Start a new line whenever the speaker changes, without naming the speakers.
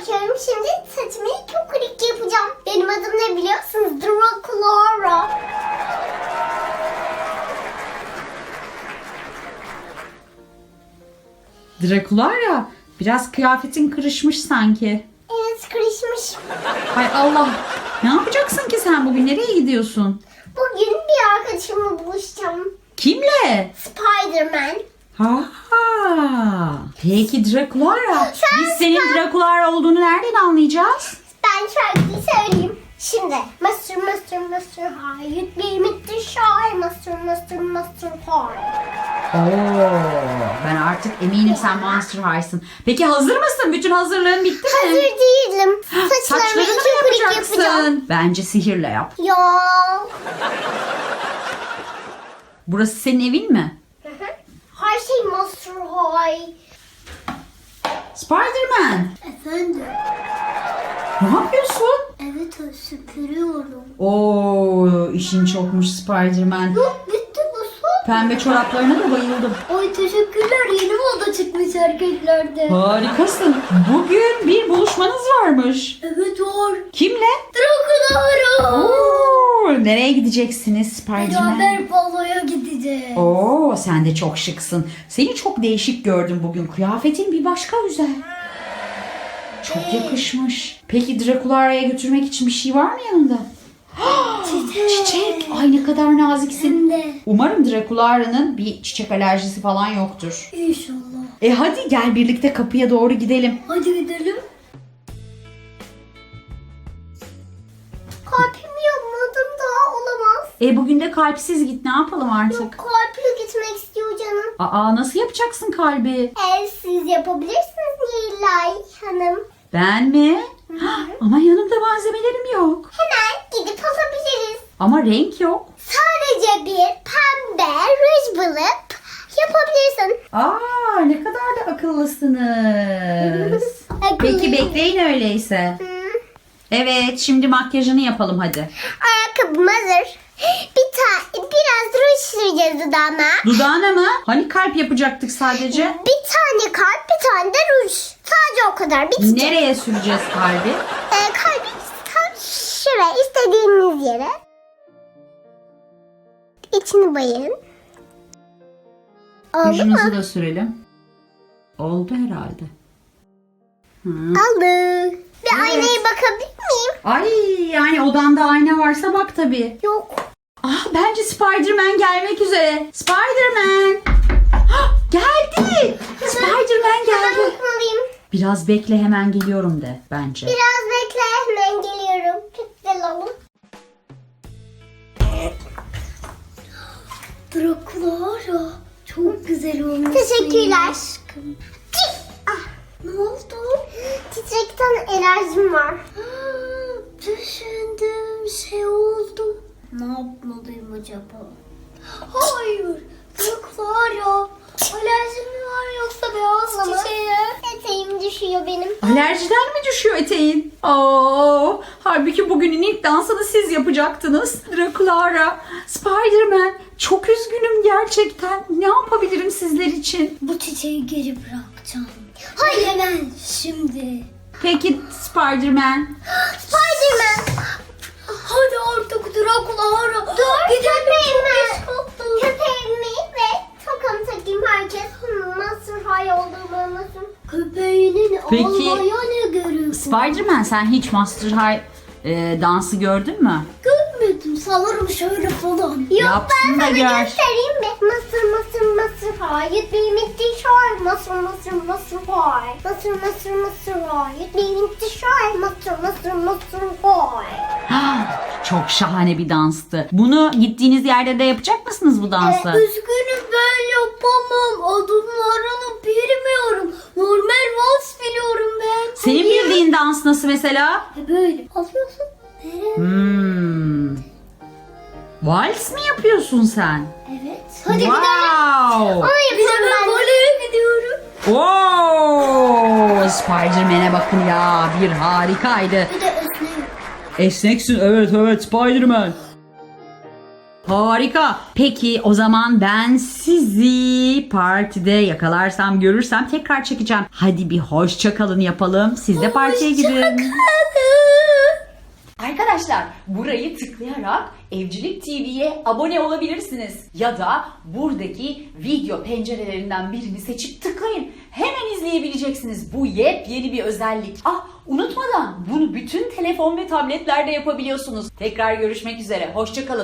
bakıyorum. Şimdi saçımı kukurik yapacağım. Benim adım ne biliyorsunuz? Draculaura.
Draculaura, biraz kıyafetin kırışmış sanki.
Evet, kırışmış.
Hay Allah. Ne yapacaksın ki sen bugün? Nereye gidiyorsun?
Bugün bir arkadaşımla buluşacağım.
Kimle?
Spider-Man.
Ha. Peki Draculaura,
Sen-
biz senin Draculaura olduğunu nereden anlayacağız?
Ben şarkıyı söyleyeyim. Şimdi Master High, you'd be Mr. Shy, Master High.
Oo, ben artık eminim sen Monster High'sın. Peki hazır mısın? Bütün hazırlığın bitti mi?
Hazır değilim. Saçlarımı
Saçlarını mı
iki kurik yapacağım.
yapacaksın? Bence sihirle yap.
Ya.
Burası senin evin mi?
Her şey Master High.
Spider-Man,
Efendim?
ne yapıyorsun?
Evet, süpürüyorum.
Oo, işin çokmuş Spider-Man.
Yok, bitti bu son.
Pembe çoraplarına da bayıldım.
Ay teşekkürler, yeni moda çıkmış erkeklerde.
Harikasın. Bugün bir buluşmanız varmış.
Evet var.
Kimle?
Draculaura.
Oo, nereye gideceksiniz Spider-Man?
Beraber baloya gideceğiz.
Oo, sen de çok şıksın. Seni çok değişik gördüm bugün. Kıyafetin bir başka güzel. Çok yakışmış. Peki Draculaura'ya götürmek için bir şey var mı yanında? Çiçek. Ay ne kadar naziksin.
Hem de.
Umarım Draculaura'nın bir çiçek alerjisi falan yoktur.
İnşallah.
Hadi gel birlikte kapıya doğru gidelim.
Hadi gidelim. Kalbimi yapmadım daha olamaz.
Bugün de kalpsiz git, ne yapalım artık?
Yok, kalple gitmek istiyor canım.
Aa, nasıl yapacaksın kalbi?
Siz yapabilirsiniz Nilay Hanım.
Ben mi? Ama yanımda malzemelerim yok.
Hemen gidip alabiliriz.
Ama renk yok.
Sadece bir pembe ruj bulup yapabilirsin.
Aa, ne kadar da akıllısınız. Peki bekleyin öyleyse. Evet, şimdi makyajını yapalım hadi.
Ayakkabım hazır. Biraz ruj süreceğiz dudağıma.
Dudağına mı? Hani kalp yapacaktık sadece?
Bir tane kalp, bir tane de ruj. Sadece o kadar. Bitecek.
Nereye süreceğiz kalbi?
Kalbi tam şuraya, istediğiniz yere. İçini bayın. Oldu mu?
Rujunuzu da sürelim. Oldu herhalde.
Oldu. Bir
Evet.
aynaya bakabilir miyim?
Ay, yani odanda ayna varsa bak tabii.
Yok.
Bence Spider-Man gelmek üzere. Spider-Man. Geldi. Spider-Man
Ben
geldi.
bakmalıyım.
Biraz bekle, hemen geliyorum de bence.
Biraz bekle, hemen geliyorum. Çok güzel oldu. Draculaura çok güzel olmuş. Teşekkürler. Aşkım. Ne oldu? Çiçekten alerjim var. Düşündüğüm şey oldu. Ne yapmalıyım acaba? Hayır. Draculaura. Alerjim mi var yoksa beyaz çiçeğe? Eteğim düşüyor benim.
Alerjiden mi düşüyor eteğin? Oo, halbuki bugünün ilk dansını siz yapacaktınız. Draculaura, Spider-Man, çok üzgünüm gerçekten. Ne yapabilirim sizler için?
Bu çiçeği geri bırakacağım. Hayır, hemen şimdi.
Peki Spider-Man.
Spider-Man. Hadi artık Draculaura. Dur, köpeğimi. Köpeğimi ve tokamı takayım, herkes Master High olduğumu anlasın. Köpeğinin
Peki,
olmaya ne gerek var?
Spider-Man, sen hiç Monster High dansı gördün mü?
Görmedim, sanırım şöyle falan. Yok,
Yapsın
ben
da
sana
gör.
göstereyim mi? Master High, you'd be Mr. Shy, Master High. Master High, you'd be Mr. Shy, Master High.
Çok şahane bir danstı. Bunu gittiğiniz yerde de yapacak mısınız bu dansı?
Üzgünüm, ben yapamam. Adımlarını bilmiyorum. Normal vals biliyorum ben.
Senin bildiğin dans nasıl mesela?
Böyle. Alıyorsun.
Vals mi yapıyorsun sen?
Evet. Hadi
Wow.
gidelim. Onu yapıyorum ben. Baleye gidiyorum.
Oo, Spider-Man'e bakın ya, bir harikaydı.
Bir de esneyim.
Esneksin, evet Spider-Man. Harika. Peki o zaman ben sizi partide yakalarsam, görürsem tekrar çekeceğim. Hadi bir hoşça kalın yapalım. Siz de partiye gidin. Arkadaşlar, burayı tıklayarak Evcilik TV'ye abone olabilirsiniz. Ya da buradaki video pencerelerinden birini seçip tıklayın. Hemen izleyebileceksiniz. Bu yepyeni bir özellik. Unutmadan bunu bütün telefon ve tabletlerde yapabiliyorsunuz. Tekrar görüşmek üzere. Hoşça kalın.